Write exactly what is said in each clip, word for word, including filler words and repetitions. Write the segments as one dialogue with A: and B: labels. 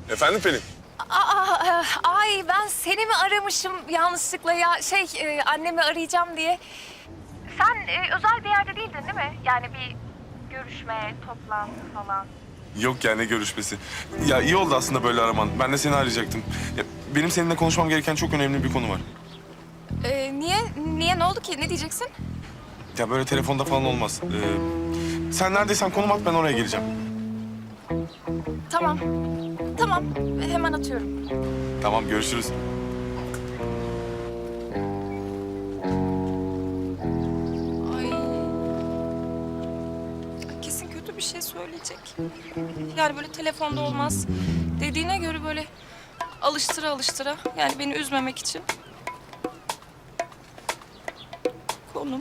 A: Efendim Pelin?
B: Aa, ay ben seni mi aramışım yanlışlıkla ya şey e, annemi arayacağım diye. Sen e, özel bir yerde değildin değil mi? Yani bir görüşme, toplantı falan.
A: Yok ya, ne görüşmesi. Ya iyi oldu aslında böyle araman. Ben de seni arayacaktım. Ya, benim seninle konuşmam gereken çok önemli bir konu var.
B: Ee, niye? Niye? Ne oldu ki? Ne diyeceksin?
A: Ya böyle telefonda falan olmaz. Ee, sen neredeysen konum at, ben oraya geleceğim.
B: Tamam. Tamam. Hemen atıyorum.
A: Tamam, görüşürüz.
B: Ay. Kesin kötü bir şey söyleyecek. Yani böyle telefonda olmaz. Dediğine göre böyle alıştıra alıştıra. Yani beni üzmemek için. Konum.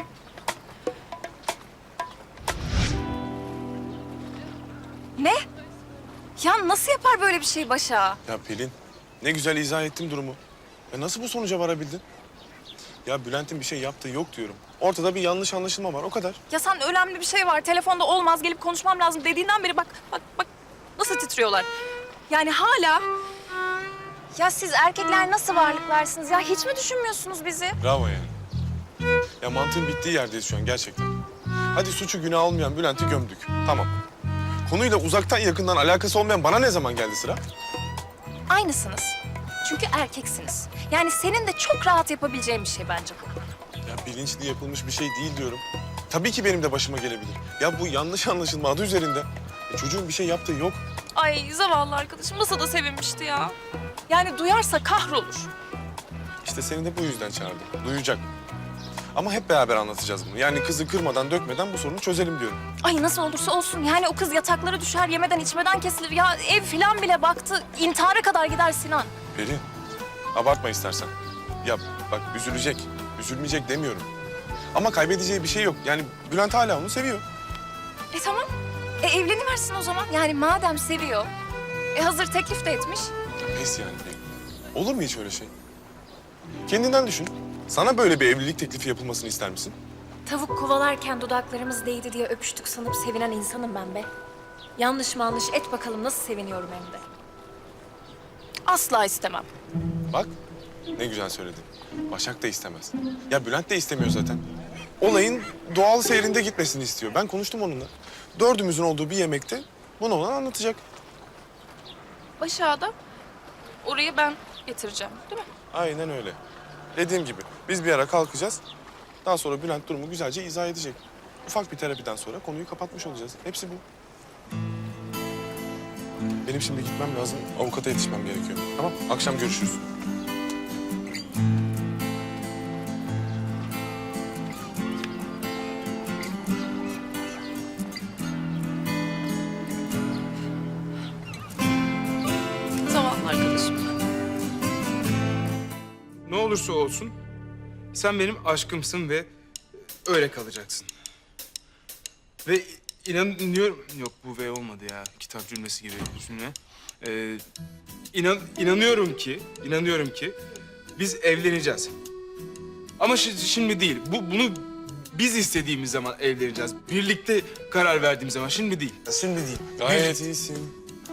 B: Ne? Ya nasıl yapar böyle bir şey Başa?
A: Ya Pelin, ne güzel izah ettim durumu. Ya nasıl bu sonuca varabildin? Ya Bülent'in bir şey yaptığı yok diyorum. Ortada bir yanlış anlaşılma var, o kadar.
B: Ya sen önemli bir şey var. Telefonda olmaz, gelip konuşmam lazım dediğinden beri bak, bak, bak nasıl titriyorlar. Yani hala... Ya siz erkekler nasıl varlıklarsınız ya? Hiç mi düşünmüyorsunuz bizi?
A: Bravo yani. Ya mantığın bittiği yerdeyiz şu an gerçekten. Hadi suçu günah olmayan Bülent'i gömdük. Tamam. Konuyla uzaktan yakından alakası olmayan bana ne zaman geldi sıra?
B: Aynısınız. Çünkü erkeksiniz. Yani senin de çok rahat yapabileceğin bir şey bence bu.
A: Ya bilinçli yapılmış bir şey değil diyorum. Tabii ki benim de başıma gelebilir. Ya bu yanlış anlaşılma adı üzerinde. E, çocuğun bir şey yaptığı yok.
B: Ay zavallı arkadaşım nasıl da sevinmişti ya. Yani duyarsa kahrolur.
A: İşte seni de bu yüzden çağırdım. Duyacak. Ama hep beraber anlatacağız bunu. Yani kızı kırmadan, dökmeden bu sorunu çözelim diyorum.
B: Ay nasıl olursa olsun yani o kız yataklara düşer, yemeden içmeden kesilir. Ya ev filan bile baktı, intihara kadar gider Sinan.
A: Pelin, abartma istersen. Ya bak üzülecek, üzülmeyecek demiyorum. Ama kaybedeceği bir şey yok. Yani Bülent hala onu seviyor.
B: E tamam. E evleniversin o zaman. Yani madem seviyor, e hazır teklif de etmiş.
A: Pes yani Pelin. Olur mu hiç öyle şey? Kendinden düşün. Sana böyle bir evlilik teklifi yapılmasını ister misin?
B: Tavuk kovalarken dudaklarımız değdi diye öpüştük sanıp sevinen insanım ben be. Yanlış manlış et bakalım nasıl seviniyorum hem de. Asla istemem.
A: Bak, ne güzel söyledin. Başak da istemez. Ya Bülent de istemiyor zaten. Olayın doğal seyrinde gitmesini istiyor. Ben konuştum onunla. Dördümüzün olduğu bir yemekte bunu ona anlatacak.
B: Başak'da orayı ben getireceğim değil mi?
A: Aynen öyle. Dediğim gibi biz bir ara kalkacağız. Daha sonra Bülent durumu güzelce izah edecek. Ufak bir terapiden sonra konuyu kapatmış olacağız. Hepsi bu. Benim şimdi gitmem lazım. Avukata yetişmem gerekiyor. Tamam, akşam görüşürüz.
B: Zavallı arkadaşım.
C: Ne olursa olsun sen benim aşkımsın ve öyle kalacaksın. Ve inanıyorum... Yok bu ve olmadı ya. Kitap cümlesi gibi cümle. Ee, inan, inanıyorum ki, inanıyorum ki biz evleneceğiz. Ama şi- şimdi değil. Bu bunu biz istediğimiz zaman evleneceğiz. Birlikte karar verdiğimiz zaman. Şimdi değil. Şimdi değil.
A: Gayet iyisin.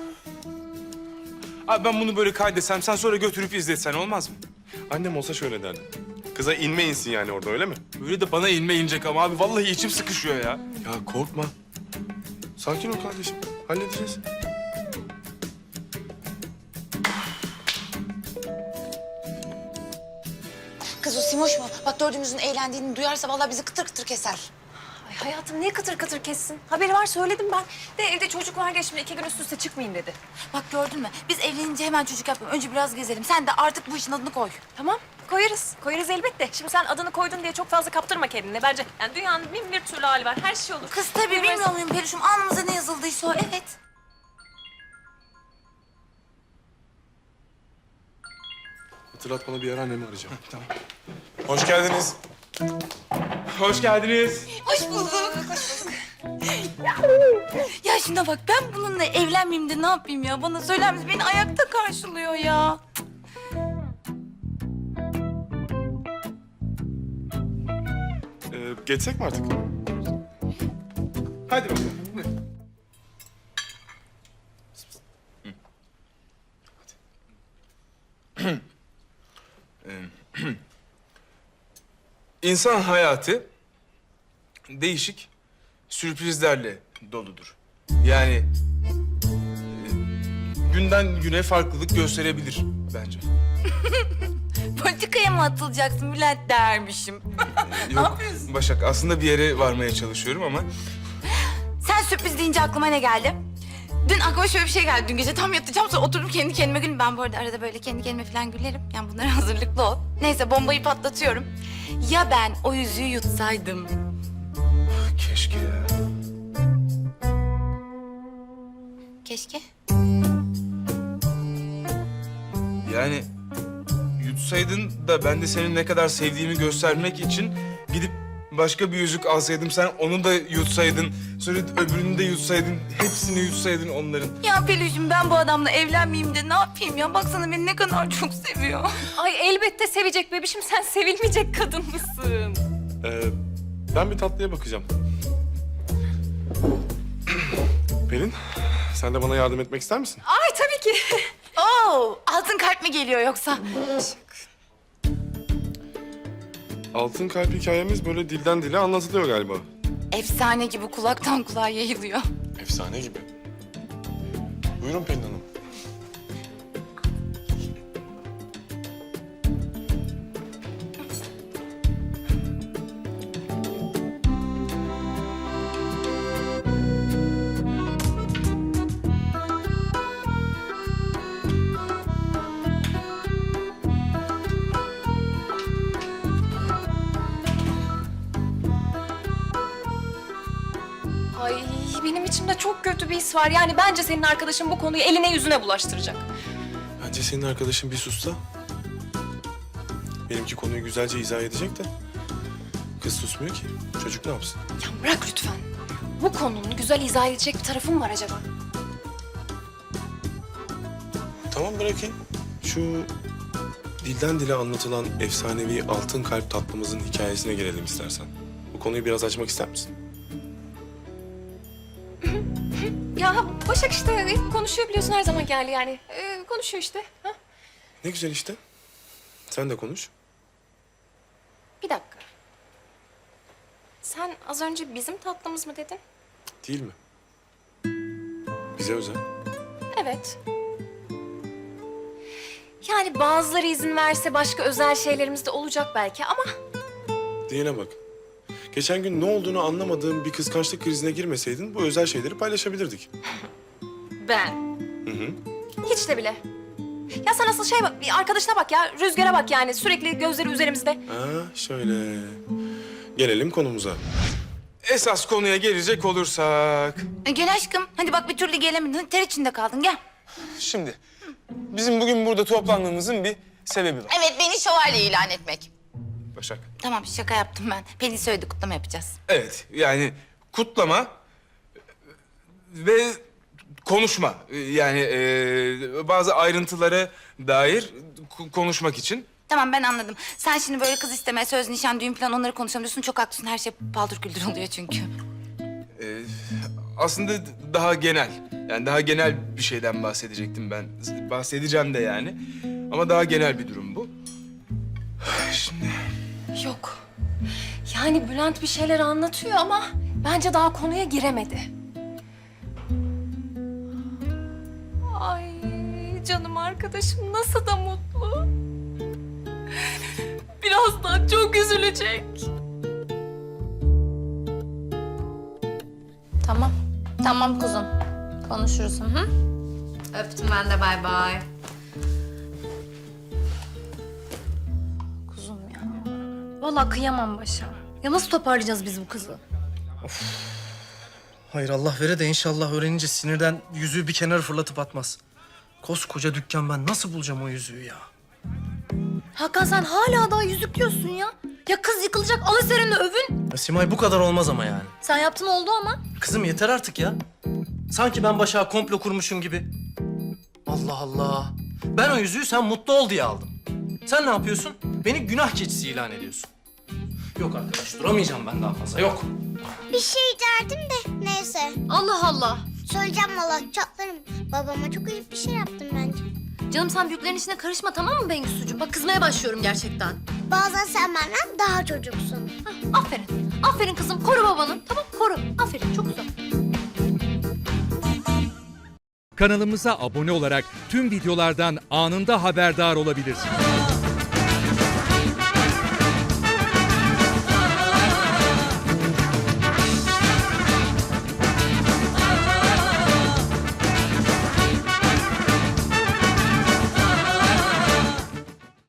C: Abi ben bunu böyle kaydetsem, sen sonra götürüp izletsen olmaz mı?
A: Annem olsa şöyle derdi. Kıza inme insin yani orada, öyle mi?
C: Böyle de bana inme inecek ama abi vallahi içim sıkışıyor ya.
A: Ya korkma. Sakin ol kardeşim. Halledeceğiz.
D: Kız o Simoş mu? Bak dördümüzün eğlendiğini duyarsa vallahi bizi kıtır kıtır keser.
B: Ay hayatım niye kıtır kıtır kessin? Haberi var söyledim ben. De evde çocuk var ya şimdi iki gün üst üste çıkmayayım dedi.
D: Bak gördün mü? Biz evlenince hemen çocuk yapalım. Önce biraz gezelim. Sen de artık bu işin adını koy.
B: Tamam koyarız. Koyarız elbette. Şimdi sen adını koydun diye çok fazla kaptırma kendini. Bence yani dünyanın bin bir türlü hali var. Her şey olur.
D: Kız tabii
B: Bilmez-
D: bilmiyor muyum Perişum? Alnımıza ne yazıldıysa o. Evet.
A: Hatırlat, bana bir ara annemi arayacağım.
C: Tamam.
A: Hoş geldiniz.
C: Hoş geldiniz.
D: Hoş bulduk. Hoş bulduk. Ya şuna bak, ben bununla evlenmeyeyim de ne yapayım ya? Bana söyler misin? Beni ayakta karşılıyor ya.
A: Ee, geçsek mi artık?
C: Hadi bakalım. İnsan hayatı değişik sürprizlerle doludur. Yani e, günden güne farklılık gösterebilir bence.
D: Politikaya mı atılacaksın Bülent dermişim.
C: Yok Başak, aslında bir yere varmaya çalışıyorum ama
D: Sen sürpriz deyince aklıma ne geldi? Dün aklıma şöyle bir şey geldi. Dün gece tam yatacağım sonra oturup kendi kendime gülüm. Ben bu arada arada böyle kendi kendime falan gülerim. Yani bunlara hazırlıklı ol. Neyse bombayı patlatıyorum. Ya ben o yüzüğü yutsaydım?
C: keşke ya.
D: Keşke.
C: Yani yutsaydın da ben de senin ne kadar sevdiğimi göstermek için gidip başka bir yüzük alsaydım, sen onu da yutsaydın, sonra öbürünü de yutsaydın, hepsini yutsaydın onların.
D: Ya Peluş'um ben bu adamla evlenmeyeyim de ne yapayım ya? Baksana beni ne kadar çok seviyor.
B: Ay elbette sevecek bebişim. Sen sevilmeyecek kadın mısın?
A: Ee, ben bir tatlıya bakacağım. Pelin, sen de bana yardım etmek ister misin?
B: Ay tabii ki.
D: Oo, altın kalp mi geliyor yoksa?
A: Altın kalp hikayemiz böyle dilden dile anlatılıyor galiba.
D: Efsane gibi kulaktan kulağa yayılıyor.
A: Efsane gibi. Buyurun Pelin Hanım.
B: Ay benim içimde çok kötü bir his var. Yani bence senin arkadaşın bu konuyu eline yüzüne bulaştıracak.
A: Bence senin arkadaşın bir sussa. Benimki konuyu güzelce izah edecek de. Kız susmuyor ki. Çocuk ne yapsın?
B: Ya bırak lütfen. Bu konunun güzel izah edecek bir tarafı mı var acaba?
A: Tamam bırakayım. Şu dilden dile anlatılan efsanevi altın kalp tatlımızın hikayesine gelelim istersen. Bu konuyu biraz açmak ister misin?
B: Ya Başak işte konuşuyor biliyorsun her zaman geldi yani. Ee, konuşuyor işte. Ha?
A: Ne güzel işte. Sen de konuş.
B: Bir dakika. Sen az önce bizim tatlımız mı dedin?
A: Değil mi? Bize özel.
B: Evet. Yani bazıları izin verse başka özel şeylerimiz de olacak belki ama...
A: Diyene bak. Geçen gün ne olduğunu anlamadığım bir kıskançlık krizine girmeseydin bu özel şeyleri paylaşabilirdik.
B: Ben?
A: Hı hı.
B: Hiç de bile. Ya sen asıl şey bak, bir arkadaşına bak ya. Rüzgara bak yani. Sürekli gözleri üzerimizde.
A: Ha şöyle. Gelelim konumuza.
C: Esas konuya gelecek olursak...
D: E, gel aşkım. Hadi bak bir türlü gelemedin. Ter içinde kaldın. Gel.
C: Şimdi bizim bugün burada toplandığımızın bir sebebi var.
D: Evet, beni şövalye ilan etmek.
C: Başak.
D: Tamam, şaka yaptım ben. Pelin söyledi, kutlama yapacağız.
C: Evet, yani kutlama ve konuşma. Yani e, bazı ayrıntılara dair ku- konuşmak için.
D: Tamam, ben anladım. Sen şimdi böyle kız isteme, söz, nişan, düğün falan onları konuşalım diyorsun. Çok haklısın. Her şey paldır küldür oluyor çünkü.
C: e, aslında daha genel. Yani daha genel bir şeyden bahsedecektim ben. Bahsedeceğim de yani. Ama daha genel bir durum bu. Şimdi
B: Yok. Yani Bülent bir şeyler anlatıyor ama bence daha konuya giremedi. Ay canım arkadaşım nasıl da mutlu. Birazdan çok üzülecek.
E: Tamam. Tamam kuzum. Konuşuruz. Hı hı. Öptüm ben de. Bay bay. Kuzum ya. Vallahi kıyamam başa. Ya nasıl toparlayacağız biz bu kızı?
F: Hayır Allah vere de inşallah öğrenince sinirden yüzüğü bir kenara fırlatıp atmaz. Koskoca dükkan, ben nasıl bulacağım o yüzüğü ya?
E: Hakan sen hala daha yüzük diyorsun ya. Ya kız yıkılacak al eserini övün.
F: Ya Simay bu kadar olmaz ama yani.
E: Sen yaptın oldu ama.
F: Kızım yeter artık ya. Sanki ben Başak'a komplo kurmuşum gibi. Allah Allah. Ben o yüzüğü sen mutlu ol diye aldım. Sen ne yapıyorsun? Beni günah keçisi ilan ediyorsun. Yok arkadaş, duramayacağım ben daha fazla, yok.
G: Bir şey derdim de neyse.
E: Allah Allah.
G: Söyleyeceğim valla çatlarım. Babama çok ayıp bir şey yaptım bence.
E: Canım sen büyüklerin işine karışma tamam mı Bengüsücüğüm? Bak kızmaya başlıyorum gerçekten.
G: Bazen sen benden daha çocuksun.
E: Hah, aferin. Aferin kızım. Koru babanı. Tamam koru. Aferin çok güzel.
H: Kanalımıza abone olarak tüm videolardan anında haberdar olabilirsiniz.